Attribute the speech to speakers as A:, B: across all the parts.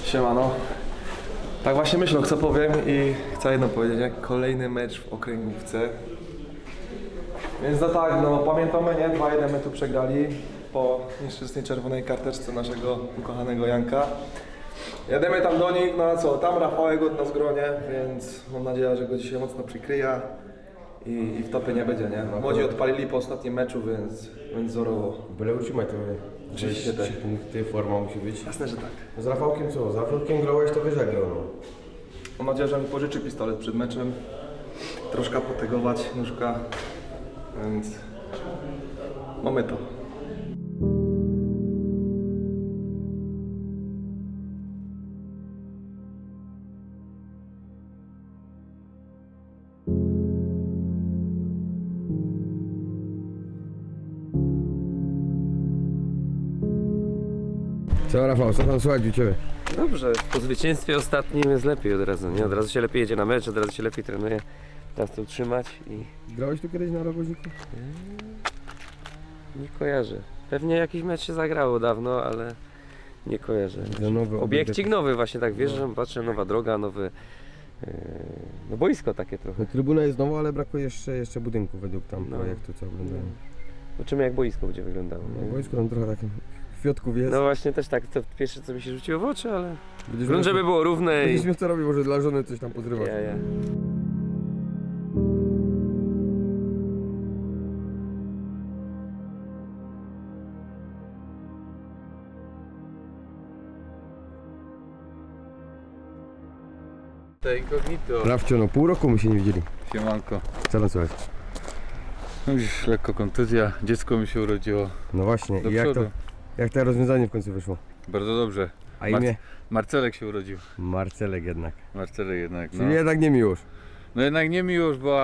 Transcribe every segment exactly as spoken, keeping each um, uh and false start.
A: Siemano. Tak właśnie myślę, co powiem i chcę jedno powiedzieć, jak kolejny mecz w okręgówce. Więc no tak, no pamiętamy, nie? dwa jeden my tu przegrali po nieszczęsnej czerwonej karteczce naszego ukochanego Janka. Jedziemy tam do nich, no a co, tam Rafałek od nas gronie, więc mam nadzieję, że go dzisiaj mocno przykryja i, i w topie nie będzie, nie? Młodzi odpalili po ostatnim meczu, więc, więc wzorowo.
B: Byle utrzymać to
A: Oczywiście tak.
B: trzy punkty, forma musi być.
A: Jasne, że tak.
B: Z Rafałkiem co? Z Rafałkiem grałeś, to wiesz jak grał, no.
A: Mam nadzieję, że mi pożyczy pistolet przed meczem, troszkę potegować nóżka, więc mamy to.
B: Co Rafał, co tam słychać u Ciebie?
C: Dobrze, po zwycięstwie ostatnim jest lepiej od razu, nie? Od razu się lepiej jedzie na mecz, od razu się lepiej trenuje. Teraz to utrzymać i
B: Grałeś tu kiedyś na rogoźniku?
C: nie kojarzę. Pewnie jakiś mecz się zagrało dawno, ale nie kojarzę.
B: To nowy
C: Obiekcik nowy właśnie, tak wiesz, że patrzę, nowa droga, nowy... Yy, no boisko takie trochę.
B: No, trybuna jest nowa, ale brakuje jeszcze, jeszcze budynku według tam
C: No.
B: projektu, co oglądałem.
C: Zobaczymy jak boisko będzie wyglądało.
B: No,
C: Nie?
B: boisko tam trochę takie kwiatków jest.
C: No właśnie też tak, to pierwsze co mi się rzuciło w oczy, ale...
B: Będziesz
C: Grunt,
B: miał-
C: żeby było równe i...
B: Będziesz miał co robić, może dla żony coś tam podrywać.
C: Ja, ja.
D: To incognito.
B: Rafcio, no pół roku my się nie widzieli.
D: Siemanko.
B: Co tam słychać?
D: No już lekko kontuzja, dziecko mi się urodziło.
B: No właśnie,
D: Do
B: i jak to,
D: przodu.
B: jak to rozwiązanie w końcu wyszło?
D: Bardzo dobrze.
B: A imię?
D: Marcelek się urodził.
B: Marcelek jednak.
D: Marcelek jednak. No,
B: Czyli jednak nie Miłosz.
D: no jednak nie Miłosz, bo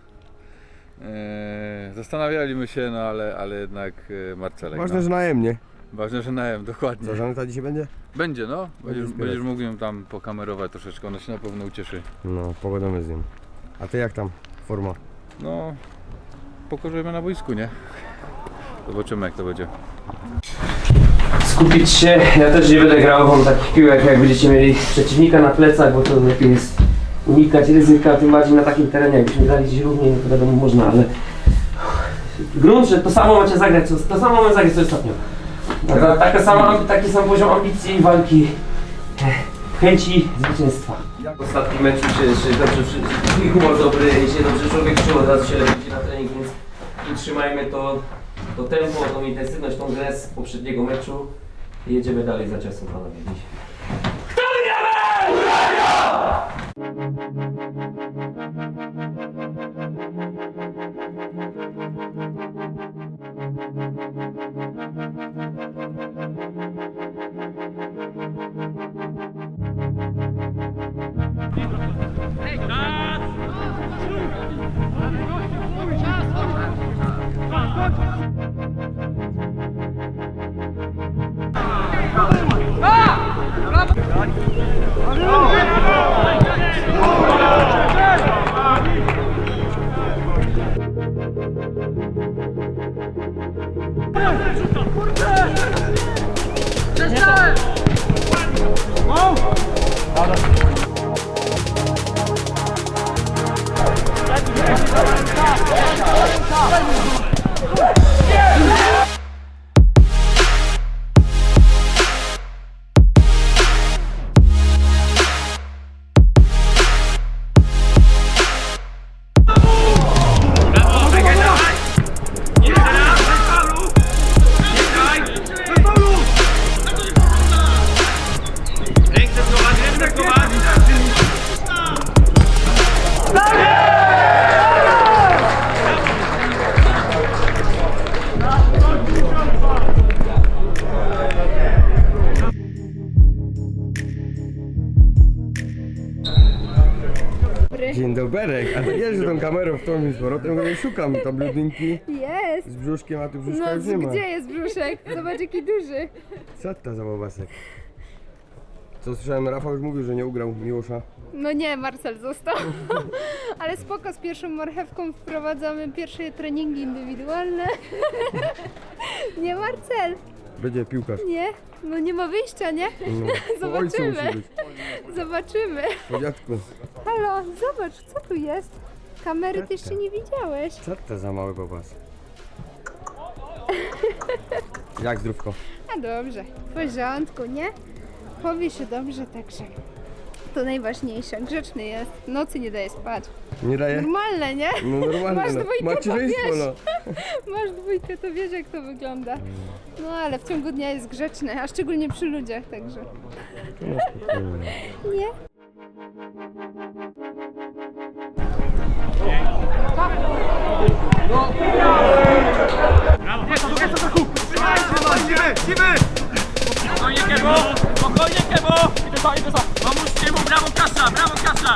D: e, zastanawialiśmy się, no ale, ale jednak e, Marcelek.
B: Ważne,
D: no.
B: że na M, nie?
D: Ważne, że na M, dokładnie.
B: Co, Żaneta dzisiaj będzie?
D: Będzie, no. Będziesz,
B: wspierać.
D: będziesz mógł ją tam pokamerować troszeczkę, ona się na pewno ucieszy.
B: No, pogadamy z nim. A ty jak tam? Forma?
D: No, pokorzymy na boisku, nie? Zobaczymy jak to będzie.
C: Skupić się, ja też nie będę grał wam takich piłek, jak będziecie mieli przeciwnika na plecach, bo to lepiej jest unikać ryzyka, tym bardziej na takim terenie, jakbyśmy grali gdzieś równiej, no to wiadomo można, ale grunt, że to samo macie zagrać, co, to samo mamy zagrać co ostatnio. Ta, ta, taka sama, taki sam poziom ambicji i walki, eh, chęci zwycięstwa. Jak w ostatnim meczu się, się dobrze, twój humor dobry, się dobrze człowiek czuł, od razu się lepiej idzie na trening, więc utrzymajmy to, to tempo, tą intensywność, tą grę z poprzedniego meczu i jedziemy dalej za ciosem, panowie. Dziś.
B: Dzień doberek, a ty wiesz, że tą kamerą w tą i z powrotem, bo szukam tam bludynki
E: Jest!
B: z brzuszkiem, a tu brzuszka
E: No,
B: już nie ma.
E: gdzie jest brzuszek? Zobacz jaki duży.
B: Co to za bobasek? Co słyszałem, Rafał już mówił, że nie ugrał Miłosza.
E: No nie, Marcel został. Ale spoko, z pierwszą marchewką wprowadzamy pierwsze treningi indywidualne. Nie, Marcel.
B: Będzie piłkarz.
E: Nie? No nie ma wyjścia, nie?
B: No, po ojcu
E: Zobaczymy.
B: musi być.
E: Zobaczymy.
B: Po dziadku.
E: Halo, zobacz, co tu jest? Kamery ty jeszcze nie widziałeś.
B: Co to za mały bobas? Jak zdrówko?
E: A dobrze, w porządku, nie? Powie się dobrze, także to najważniejsze. Grzeczny jest, w nocy nie daje spać.
B: Nie daje?
E: Normalne, nie?
B: No normalnie,
E: Masz
B: no.
E: dwójkę, to
B: Macierzyństwo,
E: wiesz.
B: no.
E: Masz dwójkę, to wiesz jak to wygląda. No ale w ciągu dnia jest grzeczny, a szczególnie przy ludziach, także.
B: No spokojnie.
E: Nie?
F: Spokojnie Kebo, spokojnie Kebo! Idę za, idę za! Pomóżcie mu, brawo Kasza, brawo Kasza!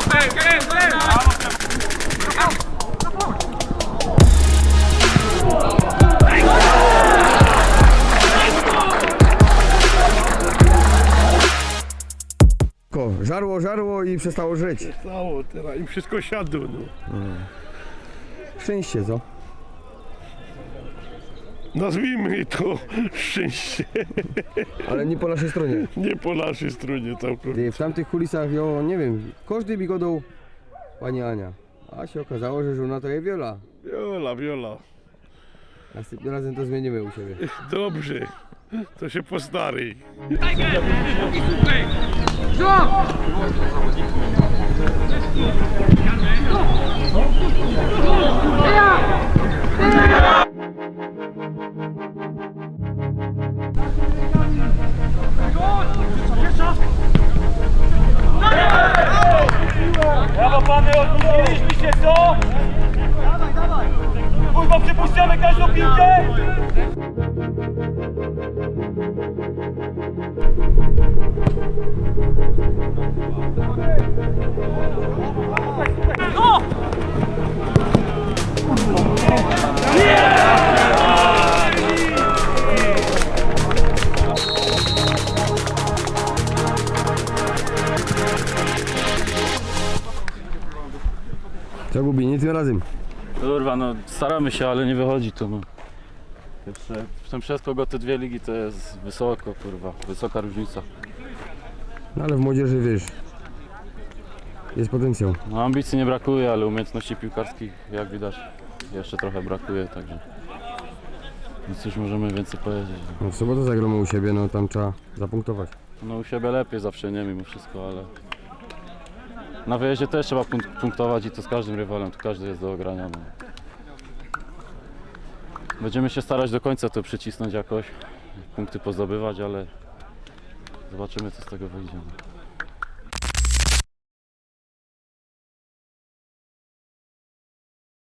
B: Ko, żarło, żarło i przestało żyć.
G: Stało teraz i wszystko siadło. No.
B: Szczęście, co?
G: Nazwijmy to szczęście,
B: Ale nie po naszej stronie.
G: nie po naszej stronie całkowicie.
B: Ty, w tamtych kulisach, jo, nie wiem, każdy mi godał pani Ania. A się okazało, że żona to jest Wiola.
G: Wiola, Wiola,
B: Następnym razem to zmienimy u siebie.
G: dobrze, to się postary.
F: Brawo pany, odwróciliśmy się, co? Dawaj, dawaj! Kurwa, przypuszczamy każdą piłkę! No!
B: Co gubi, nie tym razem.
H: Kurwa, no staramy się, ale nie wychodzi to. No. Jeszcze ten przeskok o te dwie ligi to jest wysoko, kurwa, wysoka różnica.
B: No ale w młodzieży, wiesz, jest potencjał.
H: No, ambicji nie brakuje, ale umiejętności piłkarskich, jak widać, jeszcze trochę brakuje, także nic cóż możemy więcej powiedzieć.
B: No w sobotę zagramy u siebie, no tam trzeba zapunktować.
H: No u siebie lepiej zawsze, nie mimo wszystko, ale na wyjeździe też trzeba punk- punktować i to z każdym rywalem, to każdy jest do ogrania. No. Będziemy się starać do końca to przycisnąć jakoś, punkty pozdobywać, ale zobaczymy co z tego wyjdzie. No.